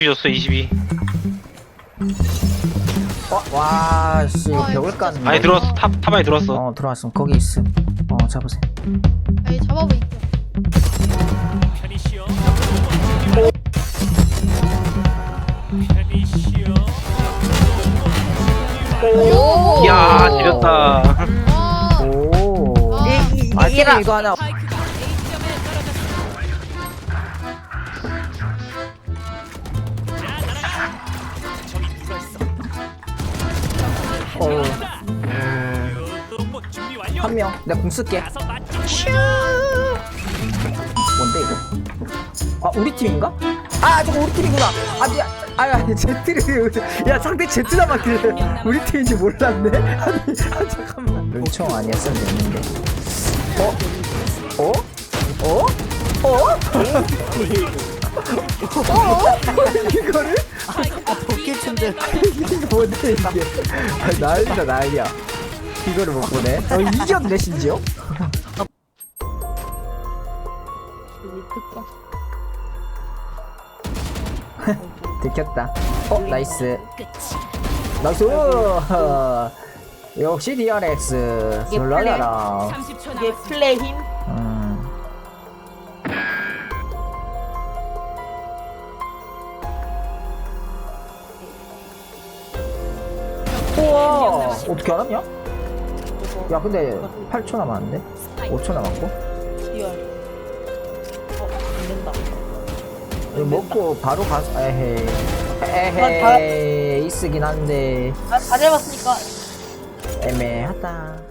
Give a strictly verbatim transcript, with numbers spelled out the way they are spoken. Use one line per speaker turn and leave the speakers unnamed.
줬어 이십이.
어, 와, 씨,
와,
벽을
진짜
깠네.
많이 들어왔어. 탑 탑 많이 들어왔어.
어, 들어왔음. 거기 있음. 어, 잡으세요.
에이 잡아보 있죠.
편히 쉬어. 편히 쉬어.
오.
이야 지렸다.
와.
오.
아.
아, 팀 이거 하나.
파이크가 A점에 떨어졌습니다. 자, 날아가. 저기 누가 있어?
어,
로봇 준비 완료.
한 명. 내가 공 쓸게.
가서 맞좀
뭔데, 이거? 아, 우리 팀인가? 아, 저거 우리 팀이구나. 아, 미안. 아, 야, 제트를. 야, 상대 제트 남았길래. 우리 팀인지 몰랐네? 아니, 아, 잠깐만. 룰총 아니었으면 됐는데. 어? 어? 어? 어? 어? 이거를?
아 도끼친데
이게 뭔데, 이게. 아, 난리다, 난리야. 이거를 못 보네. 어, 이겼네, 심지어? 들켰다. 어, 나이스. 나이스. 역시 디알엑스.
이게
놀라라.
이게 플레이 힘?
음. 우와, 어떻게 알았냐? 야, 근데 팔 초 남았는데? 오 초 남았고?
리얼. 어, 안 된다.
이거 먹고 바로 가서, 에헤이.
다-
에헤이. 쓰긴 한데,
아, 다 잡았으니까
애매하다.